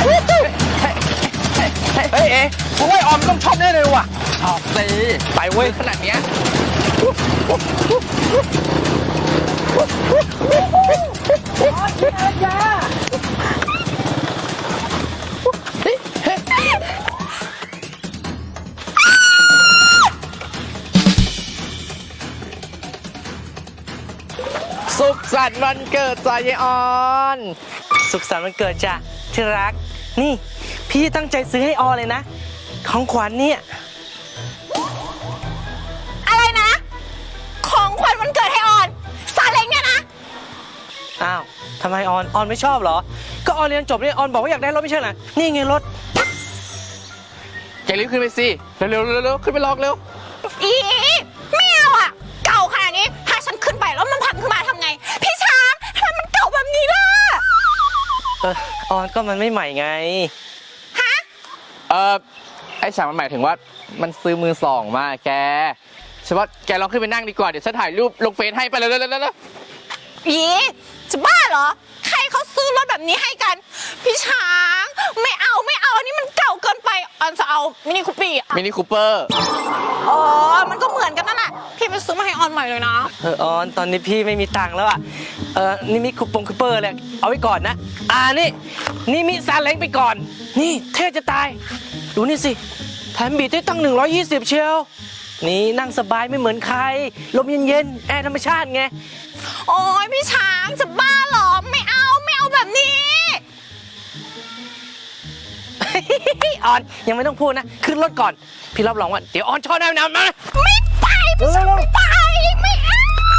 เฮ้ยเอ๊ะผมว่าออมต้องชอบแน่เลยว่ะชอบสิไปเว้ยขนาดเนี้ยสุขสันต์วันเกิดจ้ะยายออนสุขสันต์วันเกิดจ้ะที่รักนี่พี่ตั้งใจซื้อให้ออเลยนะของขวัญเนี่ยอะไรนะของขวัญวันเกิดให้ออนซาเล้งเนี่ยนะอ้าวทำไมออนไม่ชอบเหรอก็ออนเรียนจบเนี่ยออนบอกว่าอยากได้รถไม่ใช่เหรอนี่ไงรถแกรีบขึ้นไปสิเร็วขึ้นไปลองเร็วอีไม่เอาอ่ะเก่าขนาดนี้ถ้าฉันขึ้นไปแล้วมันพังขึ้นมาทำไงพี่ช้างทำไมมันเก่าแบบนี้ล่ะออนก็มันไม่ใหม่ไงฮะไอ้ฉากมันหมายถึงว่ามันซื้อมือสองมาแกฉันว่าแกลองขึ้นไปนั่งดีกว่าเดี๋ยวฉันถ่ายรูปลงเฟซให้ไปเลยอีจะบ้าเหรอใครเขาซื้อรถแบบนี้ให้กันพี่ช้างไม่เอาอันนี้มันเก่าเกินไปออนจะเอามินิคูปี้มินิคูเปอร์อ๋อมันก็เหมือนกันนั่นแหละพี่ไปซื้อมาให้ออนใหม่เลยนะออนตอนนี้พี่ไม่มีตังค์แล้วอ่ะนี่มิคูเปอร์เลยเอาไว้ก่อนนะนี่มิซาเล้งไปก่อนนี่เท่จะตายดูนี่สิแถมบีทได้ตั้ง120เชียวนี่นั่งสบายไม่เหมือนใครลมเย็นแอร์ธรรมชาติไงโอ้ยพี่ช้างจะบ้าเหรอไม่เอาแบบนี้ออนยังไม่ต้องพูดนะขึ้นรถก่อนพี่รับรองว่าเดี๋ยวออนชอบแน่นอนมาไม่ไปพี่ช้างไม่ไปไม่เอา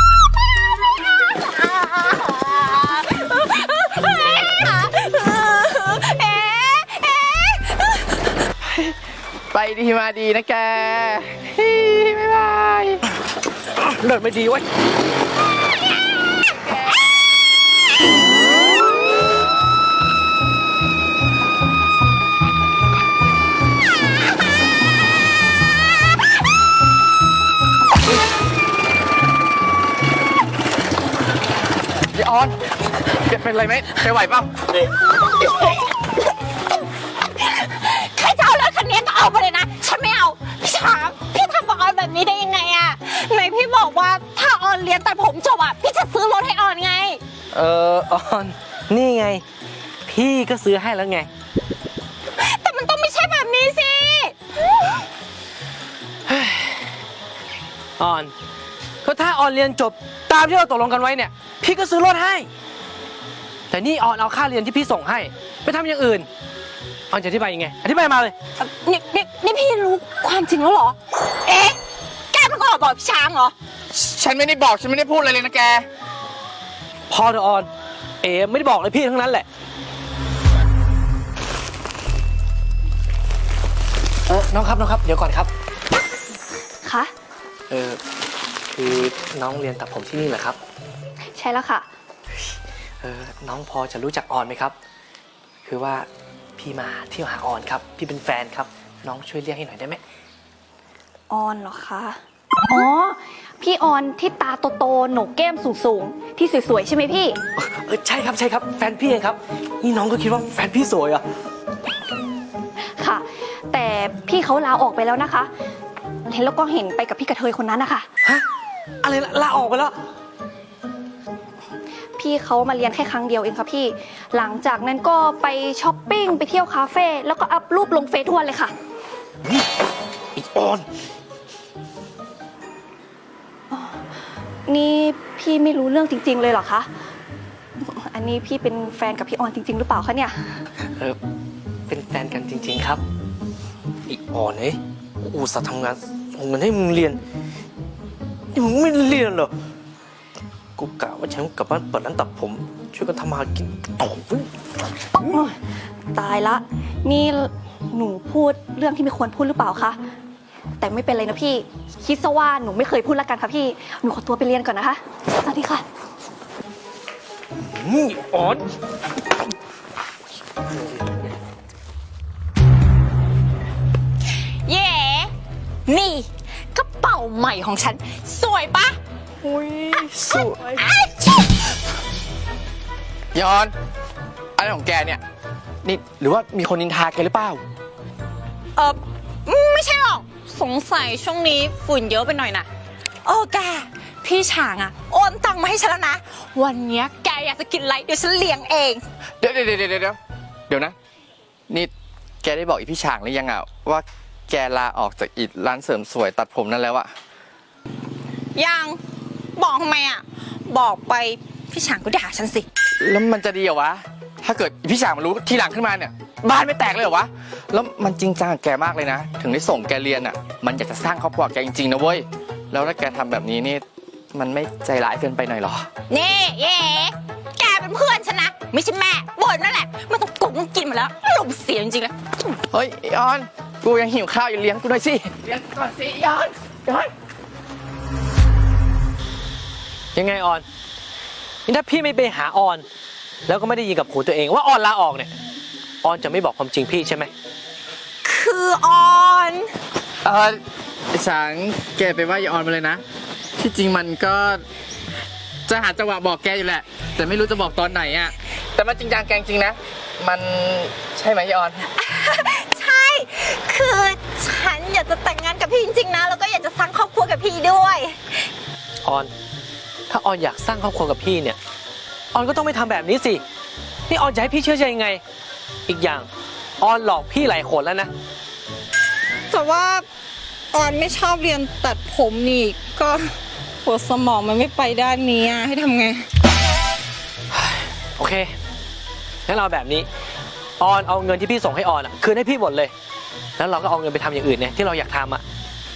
ไปดีมาดีนะแกบ๊ายบายเลิศไม่ดีวะยายออนเป็นไรไหมไปไหวเปล่าใครจะเอารถคันนี้ก็เอาไปเลยนะฉันไม่เอาพี่ช้างพี่ทำกับออนแบบนี้ได้ยังไงอะไหนพี่บอกว่าถ้าออนเรียนตัดผมจบอะพี่จะซื้อรถให้ออนไงออนนี่ไงพี่ก็ซื้อให้แล้วไงแต่มันต้องไม่ใช่แบบนี้สิออนก็ถ้าออนเรียนจบตามที่เราตกลงกันไว้เนี่ยพี่ก็ซื้อรถให้แต่นี่ออนเอาค่าเรียนที่พี่ส่งให้ไปทำอย่างอื่นออนจะอธิบายยังไงอธิบายมาเลยนี่พี่รู้ความจริงแล้วเหรอเอ๊ะแกมันก็บอกพี่ช้างเหรอฉันไม่ได้บอกฉันไม่ได้พูดอะไรเลยนะแกพอเถอะออนไม่ได้บอกเลยพี่ทั้งนั้นแหละน้องครับเดี๋ยวก่อนครับคะคือน้องเรียนตัดผมที่นี่เหรอครับใช่แล้วค่ะน้องพอจะรู้จักออนไหมครับคือว่าพี่มาเที่ยวหาออนครับพี่เป็นแฟนครับน้องช่วยเรียกให้หน่อยได้ไหมออนเหรอคะอ๋อพี่ออนที่ตาโตๆโหนกแก้มสูงๆที่สวยๆใช่ไหมพี่ใช่ครับแฟนพี่เองครับนี่น้องก็คิดว่าแฟนพี่สวยอ่ะค่ะแต่พี่เขาลาออกไปแล้วนะคะเห็นแล้วก็เห็นไปกับพี่กระเทยคนนั้นนะคะฮะอะไรลาออกไปแล้วพี่เขามาเรียนแค่ครั้งเดียวเองค่ะพี่หลังจากนั้นก็ไปช้อปปิ้งไปเที่ยวคาเฟ่แล้วก็อัพรูปลงเฟซทุกวันเลยค่ะอีออนนี่พี่ไม่รู้เรื่องจริงๆเลยเหรอคะอันนี้พี่เป็นแฟนกับพี่ออนจริงๆหรือเปล่าคะเนี่ยเป็นแฟนกันจริงๆครับอีออนอุตส่าห์ทำงานส่งเงินให้มึงเรียนนี่มึงไม่เรียนเหรอกูกะว่าฉันกลับบ้านเปิดร้านตัดผมช่วยกันทำมากินต่อตายละนี่หนูพูดเรื่องที่ไม่ควรพูดหรือเปล่าคะแต่ไม่เป็นไรนะพี่คิดซะว่าหนูไม่เคยพูดละกันค่ะพี่หนูขอตัวไปเรียนก่อนนะคะสวัสดีค่ะออนเย่นี่กระเป๋าใหม่ของฉันสวยปะอุ้ยสวยยอนอะไรของแกเนี่ยนี่หรือว่ามีคนนินทาแกหรือเปล่าไม่ใช่หรอกสงสัยช่วงนี้ฝุ่นเยอะไปหน่อยนะโอ้แกพี่ฉางอะโอนตังมาให้ฉันแล้วนะวันเนี้ยแกอยากจะกินอะไรเดี๋ยวฉันเลี้ยงเองเดี๋ยวนะ นี่แกได้บอกอีพี่ฉางหรือยังอ่ะว่าแกลาออกจากอีร้านเสริมสวยตัดผมนั่นแล้วอะยังบอกทำไมอะบอกไปพี่ฉางก็ด่าฉันสิแล้วมันจะดีเหรอวะ ถ้าเกิดอีพี่ฉางมารู้ทีหลังขึ้นมาเนี่ย บ้านไม่แตกเลยเหรอวะ แล้วมันจริงจังกับแกมากเลยนะ ถึงได้ส่งแกเรียนอ่ะ มันอยากจะสร้างครอบครัวแกจริงๆนะเว้ย แล้วถ้าแกทำแบบนี้นี่ มันไม่ใจร้ายเกินไปหน่อยเหรอนี่เย่แกเป็นเพื่อนฉันนะไม่ใช่แม่บ่นนั่นแหละไม่ต้องกงกินมาแล้วอารมณ์เสียจริงๆเลยเฮ้ยไอ้ออน กูยังหิวข้าวอยู่เลี้ยงกูหน่อยสิ เลี้ยงก่อนสิไอ้ออนยังไงออนนี่ถ้าพี่ไม่ไปหาออน แล้วก็ไม่ได้ยินกับหูตัวเองว่าออนลาออกเนี่ยออนจะไม่บอกความจริงพี่ใช่ไหมคือออนไอ้ฉางแกไปว่าอย่าออนมาเลยนะ ที่จริงมันก็จะหาจังหวะบอกแกอยู่แหละ แต่ไม่รู้จะบอกตอนไหนอ่ะ แต่มันจริงจังแกจริงนะ มันใช่ไหมยายออนใช่คือฉันอยากจะแต่งงานกับพี่จริงๆนะแล้วก็อยากจะสร้างครอบครัวกับพี่ด้วยออน ถ้าออนอยากสร้างครอบครัวกับพี่เนี่ยออนก็ต้องไม่ทำแบบนี้สินี่ออนจะให้พี่เชื่อใจยังไง อีกอย่างออนหลอกพี่หลายคนแล้วนะแต่ว่าออนไม่ชอบเรียนตัดผมนี่ก็หัวสมองมันไม่ไปด้านนี้อะให้ทำไงโอเคงั้นเราแบบนี้ออนเอาเงินที่พี่ส่งให้ออนคืนให้พี่หมดเลย แล้วเราก็เอาเงินไปทำอย่างอื่นเนี่ยที่เราอยากทำอ่ะ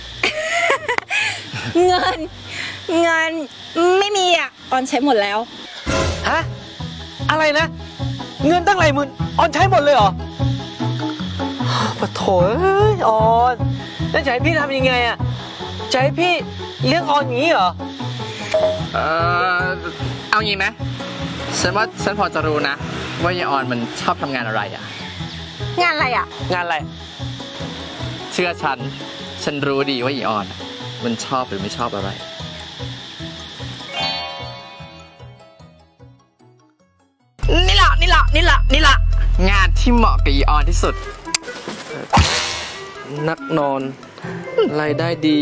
เงินไม่มีอ่ะออนใช้หมดแล้วฮะอะไรนะ เงินตั้งหลายหมื่นออนใช้หมดเลยเหรอปะโถเอ้ยออนแล้วจะให้พี่ทำยังไงอ่ะจะให้พี่เลี้ยงออนอย่างนี้เหรอเอางี้ไหมฉันว่าฉันพอจะรู้นะ ว่ายายออนมันชอบทำงานอะไรอ่ะงานอะไรอ่ะงานอะไรเชื่อฉันรู้ดีว่ายายออนมันชอบหรือไม่ชอบอะไรนี่ล่ะงานที่เหมาะกับยายออนที่สุดนักนอนรายได้ดี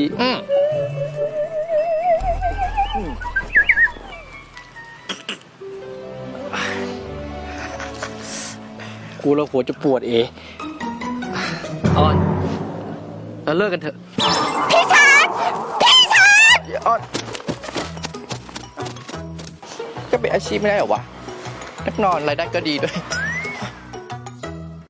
กูแล้วหัวจะปวดออนเราเลิกกันเถอะพี่ชัดยายออนก็เป็นอาชีพไม่ได้เหรอวะ นักนอนรายได้ก็ดีด้วย